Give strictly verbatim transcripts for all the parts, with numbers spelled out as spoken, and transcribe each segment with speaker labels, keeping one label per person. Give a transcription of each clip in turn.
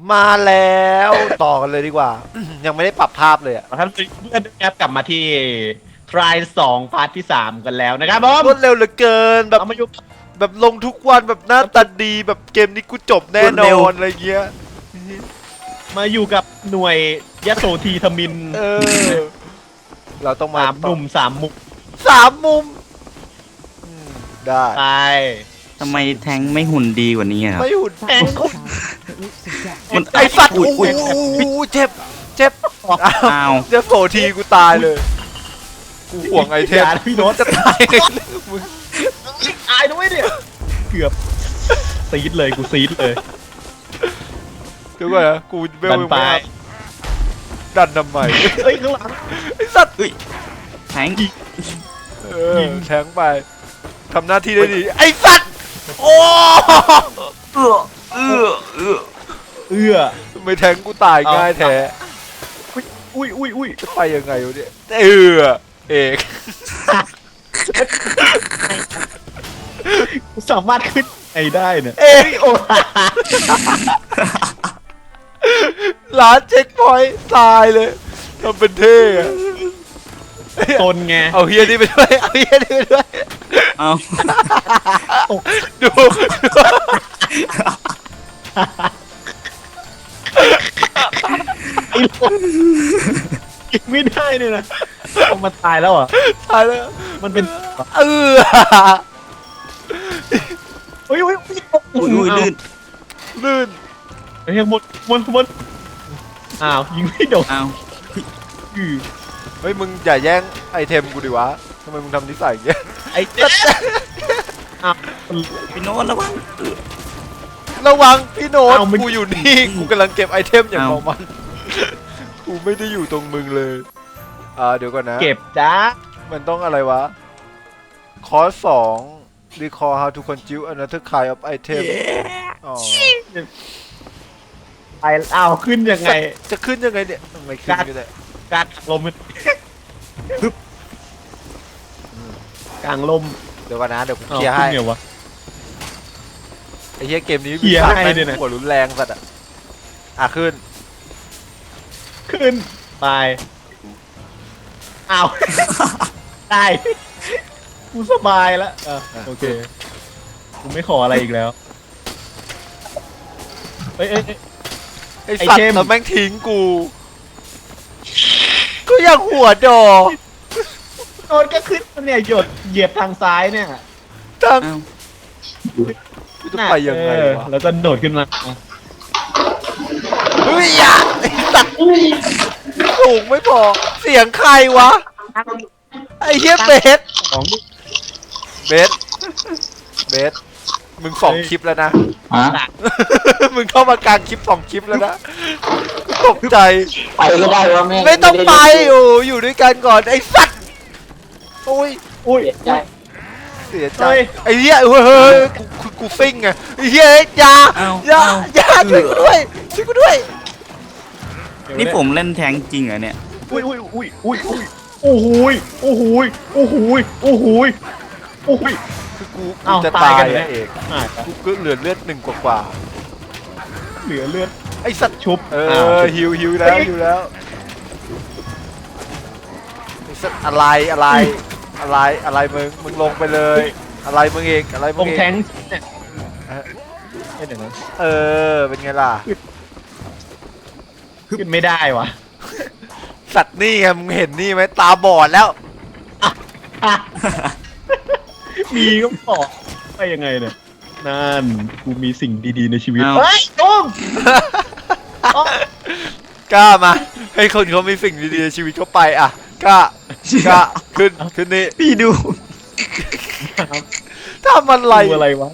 Speaker 1: มาแล้วต่อกันเลยดีกว่า ยังไม่ได้ปรับภาพเลยอะ
Speaker 2: ท่านเพื่อนนะครับกลับมาที่ทรายสองพาร์ทที่สามกันแล้วนะครับผม
Speaker 1: รวดเร็วเหลือเกินแบบ
Speaker 2: เอามาอยู่
Speaker 1: แบบลงทุกวันแบบหน้าตาดีแบบเกมนี้กูจบแน่นอนอะไรเงี้ย
Speaker 2: มาอยู่กับหน่วยยโสธีทมิน
Speaker 1: เออ เราต้องมา
Speaker 2: สามหนุ่มสามมุก
Speaker 1: สามมุมอืมได้
Speaker 2: ไป
Speaker 3: ทำไมแทงค์ไม่หุ่นดีกว่านี้อะครับ
Speaker 1: ไม่หุ่น
Speaker 2: แทงคน
Speaker 3: มัน
Speaker 1: ไอสัตว์
Speaker 3: อุ้
Speaker 1: โอ้
Speaker 3: ย
Speaker 1: โห
Speaker 3: อุ้ย
Speaker 1: เจ็บเจ็บ
Speaker 3: อ้าว
Speaker 1: เจ็บโผทีกูตายเลยกูห่วงไอเทม
Speaker 2: อย่านะพี่โน้ต
Speaker 1: จะตายไงมึง
Speaker 2: ตายด้วยเนี่ยเกือบซีดเลยกูซีดเลย
Speaker 1: เดี๋ยวก่อนนะกูเบล
Speaker 2: ดัน
Speaker 1: ยัง
Speaker 2: ไป
Speaker 1: ไม่อัพดันทำไม
Speaker 2: เฮ้ยข้างหลัง
Speaker 1: ไอสัตว์
Speaker 3: แทงค์
Speaker 1: เออแทงไปทำหน้าที่ได้ดีไอสัตว์โอ้
Speaker 3: เอื้อเอื้อเอื้อ
Speaker 2: เอื้อ
Speaker 1: ทำไม่แทงกูตายง่ายแท้
Speaker 2: อุ้ยอุ้ยอุ้ย
Speaker 1: จะไปยังไงวะเนี่ยเออเอก
Speaker 2: สามารถขึ้นไอได้เนี่ย
Speaker 1: เอก
Speaker 2: โอ้
Speaker 1: ร้านเช็คพอยต์ตายเลยทำเป็นเท่อะ
Speaker 2: ตนไง
Speaker 1: เอาเฮียนี่ไปด้วยเอาเฮียนี่ไปด้วย
Speaker 3: เอา
Speaker 1: ดู
Speaker 2: ไอ้โลกกินไม่ได้เลยนะเอามาตายแล้วอ่ะ
Speaker 1: ตายแล้ว
Speaker 2: มันเป็น
Speaker 1: เออ
Speaker 2: เฮ้ยเฮ้ย
Speaker 3: อุ้ยอุ้ยลื่น
Speaker 1: ลื่น
Speaker 2: เฮ้ยหมดหมดหมดอ้าวยิงไม่โดน
Speaker 3: เอา
Speaker 2: อือ
Speaker 1: เฮ้ยมึงอย่าแย่งไอเทมกูดิวะทำไมมึงทำนิสัยอย่างเงี้ย
Speaker 2: ไอ้เจ๊อ้าว
Speaker 3: พี่โน้ตระวังเอื้อ
Speaker 1: ระวังพี่โน้ต
Speaker 2: เอามัน
Speaker 1: กูอยู่นี่กูกำลังเก็บไอเทมอย่าง
Speaker 3: เอา
Speaker 1: เมามันกูไม่ได้อยู่ตรงมึงเลยอ่าเดี๋ยวก่อนนะ
Speaker 2: เก็บจ้า
Speaker 1: มันต้องอะไรวะคอร์สสอง recall how to consume another kind of item อ๋อ
Speaker 2: ไปอ้าวขึ้นยังไง
Speaker 1: จะขึ้นยังไงเนี่ยไม่ขึ้นก็ได้
Speaker 2: การลมมันกลางลม
Speaker 1: เดี๋ยวก่อนนะเดี๋ยวกู
Speaker 2: อ้าว
Speaker 1: เคลียร์ให้
Speaker 2: ขึ้นไงวะ
Speaker 1: ไอ้เหี้ยเกมนี้
Speaker 2: เคลียร์
Speaker 1: ฉาก
Speaker 2: ให้
Speaker 1: แม่ง
Speaker 2: ด้วยนะ
Speaker 1: หัวรุนแรงสัตว์อ่ะอ่ะขึ้น
Speaker 2: ขึ้นไปอ้าวได้กูสบายแล้วอ่ะโอเคกูไม่ขออะไรอีกแล้วเอ้ยเอ้ยเอ้ย
Speaker 1: ไอ้
Speaker 2: ไอ้
Speaker 1: สัตว์
Speaker 2: เทม
Speaker 1: แล้วแม่งทิ้งกูก็ยังหัวดอ
Speaker 2: โดนก็ขึ้นเนี่ยหยดเหยียบทางซ้ายเนี่ย
Speaker 1: ตั้ง
Speaker 3: เอา
Speaker 1: กูจะไปยังไง
Speaker 2: เออ
Speaker 1: วะ
Speaker 2: แล้วก็โดดขึ้นมา
Speaker 1: เฮ้ยอย่าไอ้สัตว์สูงไม่พอเสียงใครวะไอ้เหี้ยเบส
Speaker 2: ของ
Speaker 1: เบสเบสมึงสอง
Speaker 2: เฮ้ย
Speaker 1: คลิปแล้วนะ
Speaker 3: ฮะ
Speaker 1: มึงเข้ามากลางคลิปสองคลิปแล้วนะตกใจ
Speaker 4: ไปก็ได้ว่าแม่ง
Speaker 1: ไม่ต้องไป
Speaker 4: ด้
Speaker 1: โอ้อยู่ด้วยกันก่อนไอ้สัตว์โอ้ย
Speaker 2: อุ้ย
Speaker 4: ใช่
Speaker 1: เสียใจ
Speaker 2: เฮ้ย
Speaker 1: ไอ้เหี้ยเฮ้ยเฮ้ยกูกูกูซิ่งไงไอ้เหี้ยอยา
Speaker 3: เอา
Speaker 1: อย่า
Speaker 3: เอา
Speaker 1: อย่าช่วยกูด้วยช่วยกูด้วย
Speaker 3: นี่ผมเล่นแทงค์จริงเหรอเนี่ย
Speaker 2: อุ้ยอุ้ยอุ้ยอุ้ยอุ้ยโอ้โหยโอ้โหยโอ้โหยโอ้โหยโอ้โหย
Speaker 1: คือกู
Speaker 2: เอ้า
Speaker 1: กูจะ
Speaker 2: ตา
Speaker 1: ตาย ย
Speaker 2: กันเลย
Speaker 1: อะเอก
Speaker 2: อ่ะ
Speaker 1: กูก็เหลือเลือดหนึ่งกว่า
Speaker 2: เหลือเลือด
Speaker 1: ๆไอ้สัตว์
Speaker 2: ชุบ
Speaker 1: เอ
Speaker 2: าว
Speaker 1: อฮิวฮิวแล้วฮิวแล้วไอ้สัตว์อะไรอะไรอะไรอะไรมึงมึงลงไปเลย อะไรมึงเองอะไร
Speaker 2: ต
Speaker 1: มึ
Speaker 2: รง ง
Speaker 1: เอง
Speaker 2: แทงค์เนี่ยไม่เดี๋ยวนะ
Speaker 1: เออเป็นไงล่ะ
Speaker 2: ขึ้นไม่ได้วะ
Speaker 1: สัตว์นี่ไงมึงเห็นนี่ไหมตาบอดแล้ว
Speaker 2: มีก็บอกไปยังไงเนี่ยนั่นกูมีสิ่งดีๆในชีวิต
Speaker 3: เอา
Speaker 2: เฮ้ยตุ้ม
Speaker 1: กล้ามาให้คนเขามีสิ่งดีๆในชีวิตเขาไปอ่ะกล้ากล้าขึ้นขึ้นนี่
Speaker 3: พี่ดู
Speaker 1: ทำอะไร
Speaker 2: ดูอะไรวะ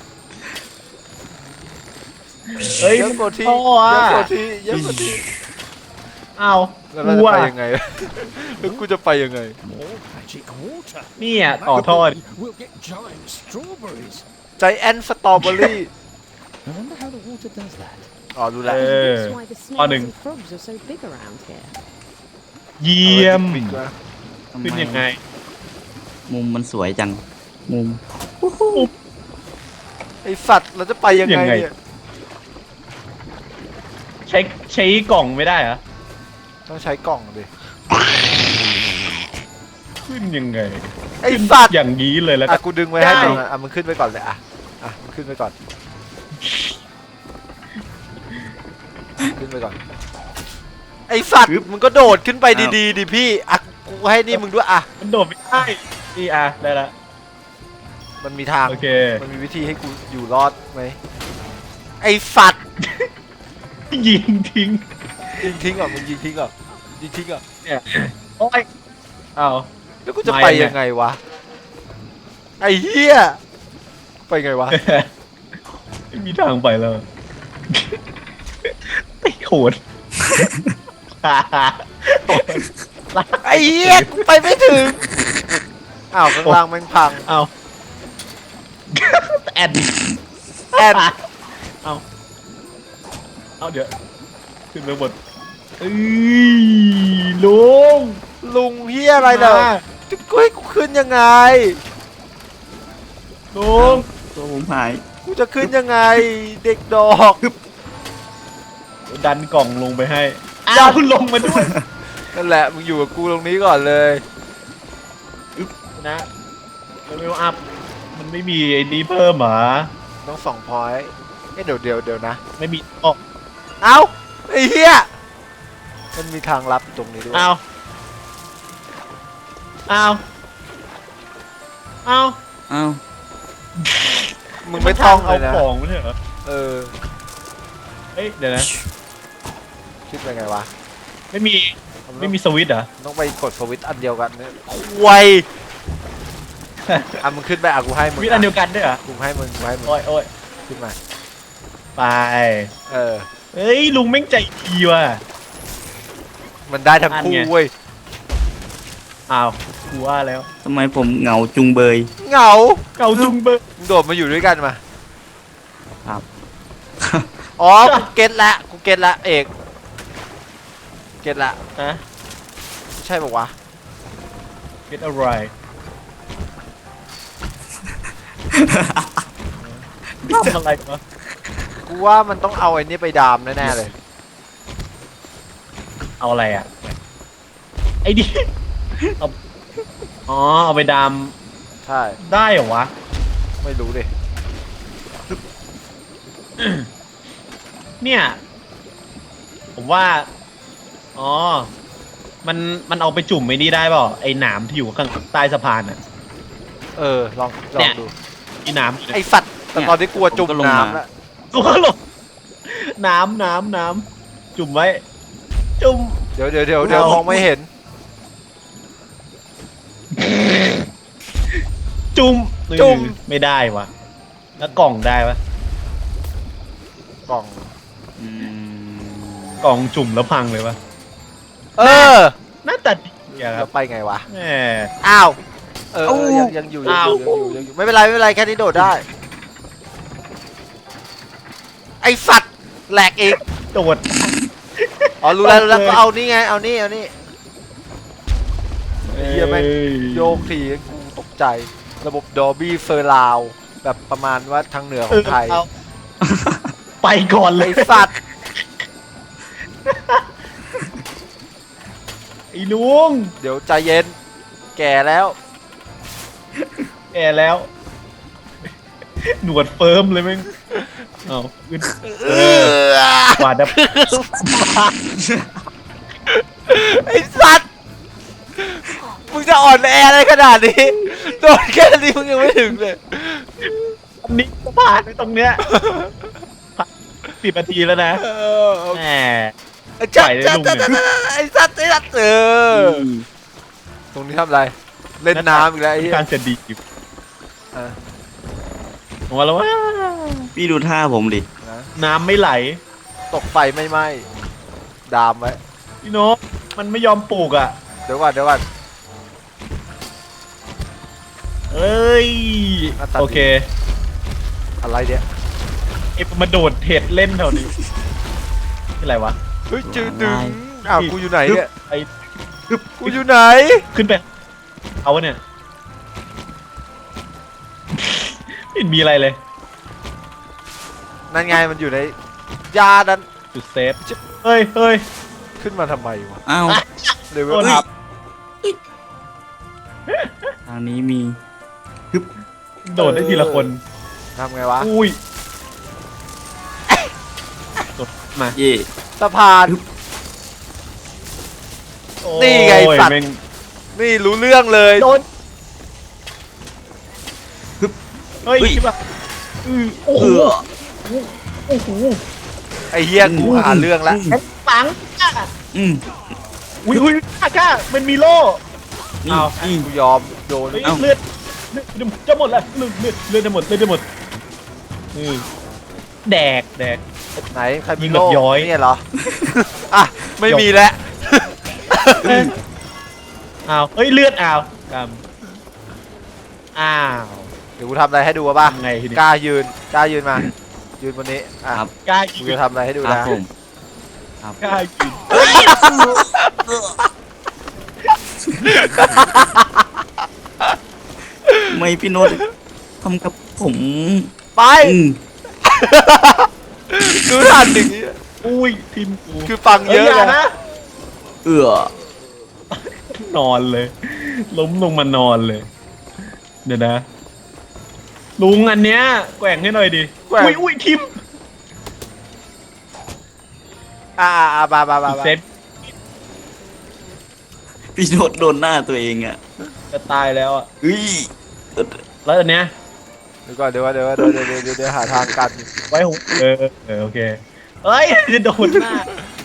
Speaker 2: เฮ้ย
Speaker 1: เยอะกว่าที่
Speaker 2: พ่อ
Speaker 1: เย
Speaker 2: อะ
Speaker 1: อะกว่าที่เยอะกว่าที่
Speaker 2: เอา
Speaker 1: แล้วเรา
Speaker 2: กู
Speaker 1: จะ
Speaker 2: อะ
Speaker 1: ไปยังไงแล้วกูจะไปยังไง
Speaker 5: More magic water.
Speaker 2: เนี่ยต่อทอด
Speaker 5: We'll get giant strawberries.
Speaker 1: ใจแอนสตรอเบอรี่
Speaker 5: I wonder how the water does that.
Speaker 1: อ๋อรู้แล้ว
Speaker 2: เออ
Speaker 6: That's why the
Speaker 2: Oh,
Speaker 6: snails
Speaker 2: đừng.
Speaker 6: and frogs are so big around here.
Speaker 2: เยี่ยม
Speaker 1: ปิดก่อน
Speaker 3: ทำไม
Speaker 2: ขึ้นยังไง
Speaker 3: มุมมันสวยจัง มุม
Speaker 1: ไอสัตว์เราจะไปยังไง
Speaker 2: ยังไง
Speaker 1: เนี่ย
Speaker 2: ช้ใช้กล่องไม่ได้เหรอ
Speaker 1: ต้องใช้กล่องดิ
Speaker 2: ขึ้นยังไง
Speaker 1: ไอ้สัตว์
Speaker 2: อย่างนี้เลยแล้ว
Speaker 1: อ่ะ
Speaker 2: กัน
Speaker 1: กูดึงไว้ให้
Speaker 2: ได้
Speaker 1: มึงอ่ะอ่ะมึงขึ้นไปก่อนเลยอ่ะอ่ะมึงขึ้นไปก่อนขึ้นไปก่อนไอ้สัตว์มึงก็โดดขึ้นไปดีๆดิพี่อ่ะกูให้นี่มึงด้วยอ่ะ
Speaker 2: มันโดดไม่ได้นี่อ่ะได้ละ
Speaker 1: มันมีทาง
Speaker 2: โอเค
Speaker 1: มันมีวิธีให้กูอยู่รอดไหมไอ้สัตว์
Speaker 2: ยิงทิ้ง
Speaker 1: ยิงทิ้งอ่ะมึงยิงทิ้งอ่ะยิงทิ้งอ่ะ
Speaker 2: เนี่ยโอ้ยอ้าว
Speaker 1: แล้วกูจะ
Speaker 2: ไม่
Speaker 1: ไป
Speaker 2: เนี่ย
Speaker 1: ยังไงวะไอ้เหี้ยไปไงวะ
Speaker 2: ไม่มีทางไปแล้วไอ้โหด
Speaker 1: ไอ้เหี้ยกูไปไม่ถึงอ้าวข้างล่างแม่งพัง
Speaker 2: เอาแอน
Speaker 1: แอน
Speaker 2: เอาเอาเดี๋ยวขึ้นไปบนเอ้ยลุง
Speaker 1: ลุงเหี้ยอะไรเด้อจะกูให้กูขึ้นยังไง
Speaker 2: ลุง
Speaker 3: ตัวผมหาย
Speaker 1: กูจะขึ้นยังไง เด็กดอก
Speaker 2: ดันกล่องลงไปให้อ้าวคุณลงมาด้วย
Speaker 1: นั่นแหละมึงอยู่กับกูตรงนี้ก่อนเลย
Speaker 2: นะเลเวลอัพมันไม่มีไอ้นี้เพิ่มเหรอ
Speaker 1: ต้องสองพอยต์เอ้ยเดี๋ยวเดี๋ยวเดี๋ยวนะ
Speaker 2: ไม่มีอ๋อ
Speaker 1: เอ้าไอ้เหี้ยมันมีทางลับอยู่ตรงนี้ด้วย
Speaker 2: เอาเอาเอา
Speaker 3: อ้าว
Speaker 1: มึงไม่ต้องเล
Speaker 2: เอา
Speaker 1: ยนะ
Speaker 2: ของไม่ใช่เหรอ
Speaker 1: เออ
Speaker 2: เอ้ยเดี๋ยวนะ
Speaker 1: คิดไปไงวะ
Speaker 2: ไม่มีไม่มีสวิตช์เหรอ
Speaker 1: ต้องไปกดสวิตช์อันเดียวกันเนี่ยควยอ่ะมึงขึ้นไปอ่ะกูให้
Speaker 2: ส
Speaker 1: มึง
Speaker 2: วิตช์อันเดียวกันด้วยเหรอ
Speaker 1: กูให้มึงกูให้มึง
Speaker 2: โอ้ยโอ้ย
Speaker 1: ขึ้นมา
Speaker 2: ไป
Speaker 1: เออ
Speaker 2: เฮ้ยลุงแม่งใจดีว่ะ
Speaker 1: มันได้ทั้งคู่
Speaker 2: อันไง
Speaker 1: เว้ย
Speaker 2: อ้าวกูว่าแล้ว
Speaker 3: ทำไมผมเหงาจุงเบย
Speaker 1: เหงา
Speaker 2: เก่าจุงเบอร์
Speaker 1: มึงโดดมาอยู่ด้วยกันมา
Speaker 3: ครับ
Speaker 1: อ๋อ กูเก็ตละ กูเก็ตละเอก เก็ตละ
Speaker 2: นะ
Speaker 1: ใช่ปะวะ
Speaker 2: getอะไรทำอะไรวะ
Speaker 1: กูว่ามันต้องเอาไอ้นี่ไปดามแน่ๆเลย
Speaker 2: เอาอะไรอ่ะไอ้ดิเอาอ๋อเอาไปดาม
Speaker 1: ใช่
Speaker 2: ได้เหรอวะ
Speaker 1: ไม่รู้ดิ
Speaker 2: เนี่ย ผมว่า อ๋อ มัน มันเอาไปจุ่มไอ้นี่ได้เปล่าไอ้หนามที่อยู่ข้างใต้สะพานอ่ะ
Speaker 1: เออ ลอง ลอ
Speaker 2: เนี่
Speaker 1: ง
Speaker 2: ย
Speaker 1: ดู
Speaker 2: ไอ้หนาม
Speaker 1: ไอสัตว์ แต่ตอนนี้กลัวจุ่ม
Speaker 3: ผมก็ลงมา
Speaker 1: น้ำแล้ว
Speaker 2: ตัวหลงน้ำน้ำน้ำจุ่มไว้ จุ่ม
Speaker 1: เดี๋ยวเดี๋ยวเดี๋ยวเดี๋ยว
Speaker 2: เอา
Speaker 1: มองไม่เห็น
Speaker 2: จุ่ม
Speaker 1: จุ่ม
Speaker 2: ไม่ได้วะแล้วกล่องได้ปะ
Speaker 1: กล่อง
Speaker 3: อืม
Speaker 2: กล่องจุ่มแล้วพังเลยวะ
Speaker 1: เออ
Speaker 2: หน้าตาดีอะค
Speaker 1: แล้
Speaker 2: รับ
Speaker 1: วไปไงวะ
Speaker 2: แหม
Speaker 1: อ้าว เออเออยังยังอยู่ยัง
Speaker 2: อ้าว
Speaker 1: อยู่ยังอยู่ยังอยู่ ไม่เป็นไรไม่เป็นไรแค่นี้โดดได้ ไอสัตว์แหลกอีก
Speaker 2: โดด
Speaker 1: อ๋อรู้แล้วรู้แล้ว
Speaker 2: โอเค
Speaker 1: ก็เอานี่ไง เอานี่เอานี่ เหี้ยแม่ง โยกทีกูตกใจ ระบบดอบี้เซอร์ราวแบบประมาณว่าทางเหนือของไทย
Speaker 2: เออไปก่อนเล
Speaker 1: ไอย สัตว์
Speaker 2: ไอ้ลุง
Speaker 1: เดี๋ยวใจเย็น แก่แล้ว
Speaker 2: แก่แล้ว หนวดเฟิร์มเลยแม่งเอาขึ้น
Speaker 1: เออ
Speaker 2: กวาดดับ
Speaker 1: ไอสัตว์ มึงจะอ่อนแออะไรขนาดนี้ โดนแค่นี้มึงยังไม่ถึงเลย
Speaker 2: นี่ก็ผ่านไปตรงเนี้ยสิบนาทีแล้วนะ
Speaker 1: เออ
Speaker 2: แหม
Speaker 1: จัด
Speaker 2: ปล่อยเลย
Speaker 1: จัด
Speaker 2: ลุง
Speaker 1: จัด
Speaker 2: เนี่ย
Speaker 1: ไอสัตว์ไอสัตว์เออ ตรงนี้ทำอะไร เล่นน้ำอีกแล้วไอ้เหี้ย
Speaker 2: การจะดีอยู่
Speaker 1: อ่ะ
Speaker 2: ผมว่าแล้วว่า
Speaker 3: พี่ดูท่าผมดิ
Speaker 1: นะ
Speaker 2: น้ำไม่ไหล
Speaker 1: ตกไฟไม่ไหม้ดามไว้
Speaker 2: พี่โนกมันไม่ยอมปลูกอ่ะ
Speaker 1: เดี๋ยวก่อนเดี๋ยวก่อน
Speaker 2: เอ้ย
Speaker 1: อ่ะตัดดิ
Speaker 2: โอเค
Speaker 1: อะไรเนี่ย
Speaker 2: ไอ้มาโดดเห็ดเล่นแถวนี้อะไรวะ
Speaker 1: เฮ้ยจืดดึงอ้าวกูอยู่ไหนเนี่ย
Speaker 2: ไอ้
Speaker 1: กูอยู่ไหน
Speaker 2: ขึ้นไปเอาวะเนี่ยไม่เห็นมีอะไรเลย
Speaker 1: นั่นไงมันอยู่ในยาดัน
Speaker 2: จุดเซฟเฮ้ยเฮ้ย
Speaker 1: ขึ้นมาทำไมวะ
Speaker 3: อ้าว
Speaker 1: เลเวล
Speaker 2: โดน
Speaker 1: อัพ
Speaker 3: ทางนี้มี
Speaker 2: โดดได้ทีละคน
Speaker 1: ทำไงวะ
Speaker 2: อุ้ยกดมา
Speaker 3: เย่
Speaker 1: สะพาน
Speaker 2: โอ้
Speaker 1: นี่ไง
Speaker 2: ย
Speaker 1: สัตว์
Speaker 2: แม่ง
Speaker 1: นี่รู้เรื่องเลย
Speaker 2: โดนเฮ้ยคิดว่าอือโอ้โห
Speaker 3: เอือ
Speaker 2: โอ้โห
Speaker 1: ไอ้เฮียกูหาเรื่องละ
Speaker 2: แข็งปังอ่ะ
Speaker 3: อืม
Speaker 2: อุ้ยอุ้ยก้าก้ามันมีโล่
Speaker 3: นี่
Speaker 2: อ้าว
Speaker 3: นี่
Speaker 1: กูยอมโดน
Speaker 2: เฮ้ย
Speaker 3: เอ้า
Speaker 2: เลือดเลือดจะหมดแล้วเลือดเลือดเลือดจะหมดเลือดจะหมดอือแดกแดก
Speaker 1: ไหนใคร
Speaker 2: ยิ
Speaker 1: มี
Speaker 2: งแบบ
Speaker 1: โล่
Speaker 2: ย้อย
Speaker 1: เนี่ยเหรอ อ่ะ ไม่มีแล้ว
Speaker 2: อ้าวเฮ้ยเลือดอ้าวกำอ้าว
Speaker 1: เดี๋ยวกูทำอะไรให้ดูวะป่ะ
Speaker 2: ทำไงทีนี้
Speaker 1: กล้ายืนกล้ายืนมา ยืนบนนี้ อ่ะ
Speaker 3: ครับ
Speaker 2: กล้า
Speaker 1: กู
Speaker 2: ยิง
Speaker 1: จะทำอะไรให้ดู
Speaker 3: ครับ
Speaker 1: นะ
Speaker 3: ผมครับ
Speaker 2: กล้ายิง
Speaker 3: ไม่พี่โน้ตทำกับผม
Speaker 1: ไป
Speaker 3: อืม
Speaker 1: ดูทันอย่างนี้
Speaker 2: อุ้ยทีมกู
Speaker 1: คือฟังเยอะ
Speaker 2: ฮ้า
Speaker 1: ไง
Speaker 2: นะ
Speaker 3: เอือน
Speaker 2: อนเลย ล้มลงมานอนเลย เดี๋ยวนะ ลุงอันเนี้ยแกว่งให้หน่อยดิ
Speaker 1: แกว่ง
Speaker 2: อุ้ยอุ้ยทิม
Speaker 1: อ่าอ่าบาบาบาบา
Speaker 2: เซฟ
Speaker 3: พี่โน้ตโดนหน้าตัวเองอ่ะ
Speaker 2: จะตายแล้วอ่ะ
Speaker 3: อุ้ย
Speaker 2: แล้วอันเนี้ย
Speaker 1: เดี๋ยวก่อนเดี๋ยวก่อนเดี๋ยวก่อนเดี๋ยวเดี๋ยวเดี๋ยวเดี๋ยวเดี๋ยวหาทางกัน
Speaker 2: ไว้หูเออเออโอเคเอ้ยจะโดนหน้า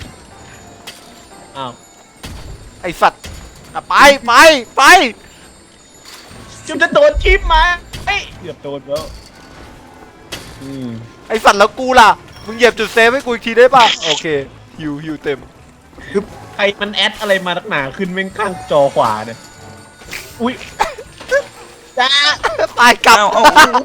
Speaker 2: อ้าว
Speaker 1: ไอสัตว์อ่ะไปไปไป
Speaker 2: จุดจะโดนทิมมาเฮ้ยเกือบโดนแล้วอืม
Speaker 1: ไอสัตว์แล้วกูล่ะ มึงเหยียบจุดเซฟให้กูอีกทีได้ป่ะ โอเคฮิวฮิวเต็ม
Speaker 2: ใครมันแอดอะไรมานักหนาขึ้นแม่งข้างจอขวาเนี่ยอุ้ยจ้า
Speaker 1: ตายกลับ
Speaker 3: เอาเอา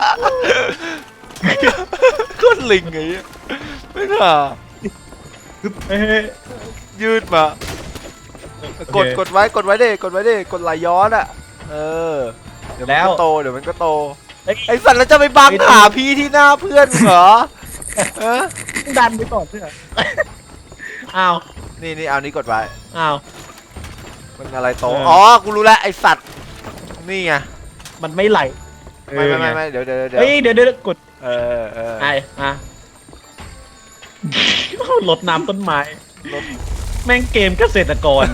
Speaker 1: ก็ลิงไงไม่น่า
Speaker 2: เฮ้ย
Speaker 1: ยืดมา กดกดไว้กดไว้ดิกดไว้ดิกดไหลย้อนอ่ะ เออ เดี๋ยวมันก็โตเดี๋ยวมันก็โต
Speaker 2: เฮ้ย
Speaker 1: ไอสัตว์แล้วจะไปบังหาพี่ที่หน้าเพื่อนมึงเหรอฮะ
Speaker 2: ดันไปก่อนเพื่อนอ้าว
Speaker 1: นี่นี่เอานี้กดไว้
Speaker 2: อ้าว
Speaker 1: มันอะไรโต
Speaker 2: เอออ๋
Speaker 1: อ๋อ กูรู้แล้วไอสัตว์ นี่ไง
Speaker 2: มันไม่ไหล
Speaker 1: ไม่ไม่ไม่ไม่เดี๋ยวเดี๋ยวเดี๋ยว
Speaker 2: เฮ้ยเดี๋ยวเดี๋ยวกด
Speaker 1: เออเออ
Speaker 2: ไอ้อ่ะลดน้ำต้นไม้ แม่งเกมเกษตรกร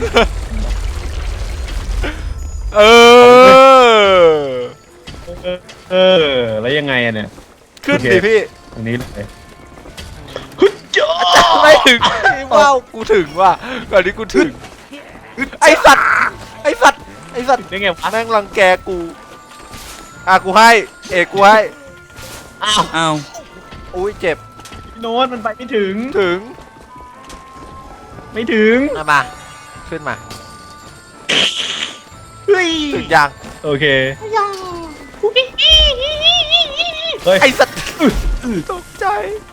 Speaker 1: เออ
Speaker 2: เออเออ แล้วยังไงอะเนี่ย
Speaker 1: ขึ้น
Speaker 2: โอเค
Speaker 1: ดิพี่
Speaker 2: ตรงนี้เลยฮึดจ้า
Speaker 1: ไม่ถึงว้าวกูถึงว่ะก่อนนี้กูถึง ไอสัตว์ ไอสัตว์ ไอสัตว์
Speaker 2: ได้ไงวะ
Speaker 1: แม่งรังแกกู อ่ะกูให้ เอกกูให้
Speaker 2: อ้าว
Speaker 3: อ้าว
Speaker 1: อุ้ยเจ็บ
Speaker 2: พี่โน้ตมันไปไม่ถึง
Speaker 1: ถึง
Speaker 2: ไม่ถึง
Speaker 1: เอามา ขึ้นมา
Speaker 2: เฮ้ย
Speaker 1: ถึงยัง
Speaker 2: โอเคเฮ้ย
Speaker 1: ไอสัตว์ตกใจ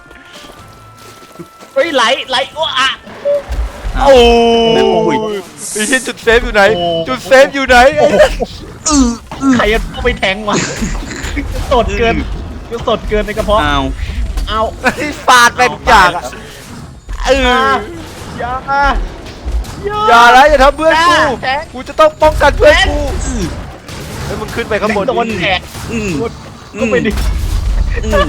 Speaker 2: เฮ้ยไหลไหลอ้วอะ
Speaker 1: โอ้
Speaker 3: โอ้ย
Speaker 1: ยไอ้ที่จุดเซฟอยู่ไหน
Speaker 2: โอ้
Speaker 1: จุดเซฟอยู่ไหนไอ้
Speaker 2: ใครจะเข้าไปแทงวะสดเกินสดเกินในกระเพาะ
Speaker 3: อ้าว
Speaker 2: เอา
Speaker 1: ไอ้ฟาดแม่งอย่างอะเออ
Speaker 2: อย่า
Speaker 1: อย่านะอย่าทำเพื่อนกู
Speaker 2: แทง
Speaker 1: กูจะต้องป้องกันเพื่อน
Speaker 2: แทง
Speaker 1: กูเฮ้ยมึงขึ้นไปข้างบน
Speaker 2: โดน
Speaker 1: ดิ
Speaker 2: แทง
Speaker 3: อืม
Speaker 2: ก็ไปดิ
Speaker 3: อืม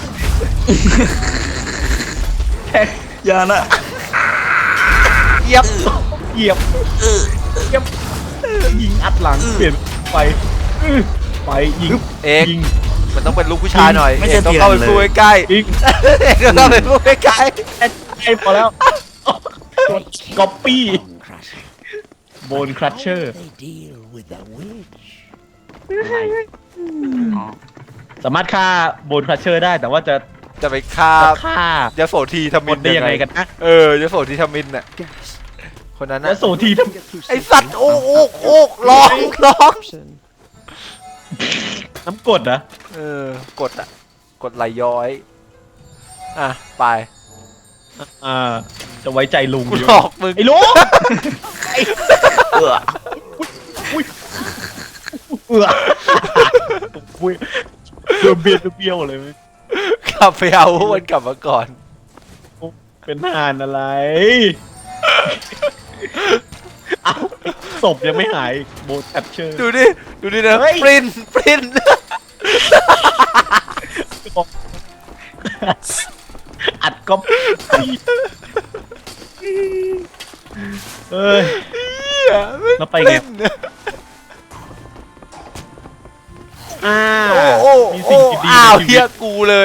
Speaker 2: แทง
Speaker 3: อย่านะ
Speaker 1: เหยียบ
Speaker 2: เหยียบเหยียบยิงอัดหลังเปลี่ยนไปอื้อไปยิง
Speaker 1: เอก
Speaker 2: ยิง
Speaker 1: มันต้องเป็นลูกผู้ชายหน่อย
Speaker 3: ไม่
Speaker 1: เอ
Speaker 3: ใช่
Speaker 1: กต้องเข้าไป
Speaker 3: เถียงเลย
Speaker 1: พูดใกล้
Speaker 2: ยิง
Speaker 1: ๆเอกต้องเข้าไปพูดใกล้
Speaker 2: แอดไอพอแล้วกดก๊อปปี้
Speaker 5: Bone crushers.
Speaker 2: โบนครัชเชอร์
Speaker 5: They deal with the witch.
Speaker 3: อ๋อ
Speaker 2: สามารถฆ่าโบนครัชเชอร์ได้แต่ว่าจะ
Speaker 1: ๆจะไปฆ่า
Speaker 2: จะฆ่าย
Speaker 1: โสธีท
Speaker 2: ค
Speaker 1: มิ
Speaker 2: น
Speaker 1: น
Speaker 2: ได้ยังไงกันนะ
Speaker 1: เออยโสธีทมินน่ะ
Speaker 5: Gas.
Speaker 1: คนนั้น
Speaker 2: แล้
Speaker 1: น่ะ
Speaker 2: วโซทีท
Speaker 1: ไอสัตว์โอ้โอ้โอ้ร้องร้อง
Speaker 6: Option.
Speaker 2: ำน้ำกรดนะ
Speaker 1: เออกดอ่ะ กดไหลย้อย อ่ะ ไป
Speaker 2: อ่าจะไว้ใจลุง
Speaker 1: กู
Speaker 2: อยู่
Speaker 1: หลอกมึง
Speaker 2: ไอ้ลุงไอ้
Speaker 3: เอือ
Speaker 2: อุ้ยเอืออุ้ยเบียเบียเบี้ยวเลย
Speaker 1: กลับไปเอาพวกมันกลับมาก่อน
Speaker 2: เป็นทหารอะไร เอ้าศพยังไม่หายโบแคปเชอร์
Speaker 1: ดูดิ ดูดินะ
Speaker 2: เฮ้ย
Speaker 1: ปรินปริน
Speaker 2: อัดก๊อปปี้เอ้ย แล้วไปไง อ่า
Speaker 1: โอ้โอ้
Speaker 2: มี
Speaker 1: โอ้
Speaker 2: สิ่งที่ดี
Speaker 1: อ้าว
Speaker 2: ในชี
Speaker 1: เฮี
Speaker 2: วิ
Speaker 1: ย
Speaker 2: ต
Speaker 1: กูเลย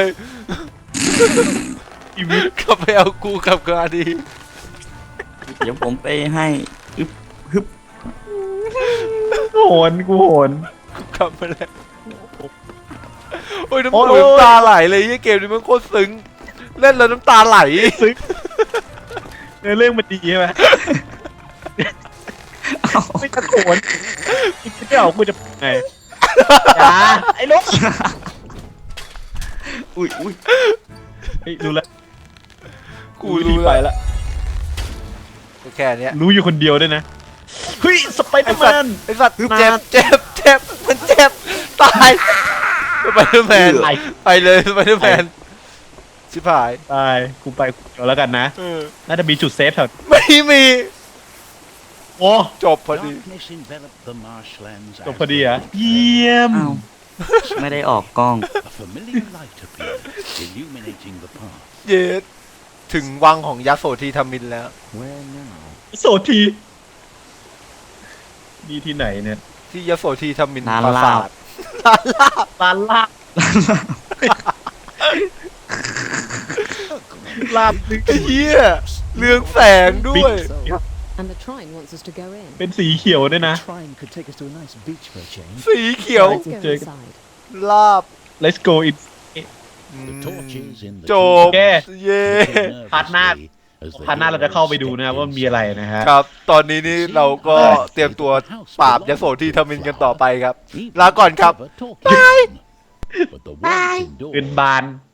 Speaker 2: ชีวิต
Speaker 1: กลับไปเอากูกลับกาดี
Speaker 3: เดี๋ยวผมไปให้อึ๊บฮึบ
Speaker 2: โหนกูโหน
Speaker 1: กูกลับมาแล้วโอ้ยน้ำ
Speaker 2: โอ้ย
Speaker 1: หูน้ำตาไหลเลยยี่เกมนี้มันโคตรซึ้งเล่นแล้วน้ำตาไหล
Speaker 2: ซึ้งเนื้อเรื่องมันดีใช่ไหม
Speaker 3: เอ้า
Speaker 2: ไม่ตะโกนคิดไม่ออกกูจะไงอย่าไอ้ลูก
Speaker 3: อุ้ยอุ้ย
Speaker 2: เฮ้ยรู้แล้ว
Speaker 1: กูรู้
Speaker 2: ไป
Speaker 1: แล้ว
Speaker 2: ละ
Speaker 1: แค่เนี้ย
Speaker 2: รู้อยู่คนเดียวด้วยนะเฮ้ยสไปเดอร์แมน
Speaker 1: ไอ้สัตว์เจ็บเจ็บเจ็บมันเจ็บตายสไปเดอร์แมน
Speaker 2: ไป
Speaker 1: ไปเลยสไปเดอร์แมนชิบหาย
Speaker 2: ตายกูไปกูเดี๋ยวแล้วกันนะ
Speaker 1: เออ
Speaker 2: น่าจะมีจุดเซฟแถว
Speaker 1: ไม่มี
Speaker 2: โอ้
Speaker 1: จบพอดี
Speaker 5: Darkness enveloped the marshlands
Speaker 2: จบ
Speaker 5: as
Speaker 2: พอดี
Speaker 5: they
Speaker 2: อ่ะ
Speaker 5: did.
Speaker 2: เยี่ยม
Speaker 3: อ้าวไม่ได้ออกกล้อง
Speaker 5: A familiar light appeared, illuminating the path.
Speaker 1: เย็ดถึงวังของยักษ์โสธีธมินแล้ว
Speaker 5: Where now?
Speaker 2: โสทีนี่ที่ไหนเนี่ย
Speaker 1: ที่ยักษ์โสธีธมิน
Speaker 3: ร้าน
Speaker 1: ปรา
Speaker 3: ลา
Speaker 1: สา
Speaker 3: บ
Speaker 1: ทร้านลาบ
Speaker 2: ร้านลาบลาบนึก
Speaker 1: ไอ้เหี้ยเรืองแสงด้วย
Speaker 5: So,
Speaker 6: And the Trine wants us to go in.
Speaker 2: เป็นสีเขียวด้วยนะ
Speaker 5: the Trine could take us to a nice beach for a change.
Speaker 1: สีเขียว
Speaker 6: Let's go
Speaker 2: Jake.
Speaker 6: inside.
Speaker 1: ลาบ
Speaker 2: let's go in
Speaker 5: The torches in the
Speaker 1: จ
Speaker 5: trees
Speaker 1: บ
Speaker 2: แก
Speaker 1: เย่
Speaker 5: flickered
Speaker 2: พาร์ทหน้า
Speaker 5: nervously as the
Speaker 2: พาร์ทหน้าเราจะเข้าไปดูนะ
Speaker 5: heroes
Speaker 2: ว่ามีอะไรนะฮะ
Speaker 1: ครับ ตอนนี้นี่เราก็เตรียมตัวปราบยักษ์โสธีธมินกันต่อไปครับ
Speaker 5: stepped in.
Speaker 1: ลาก่อนครับ
Speaker 5: Never talking. But the ones endured.
Speaker 2: เป็นบาน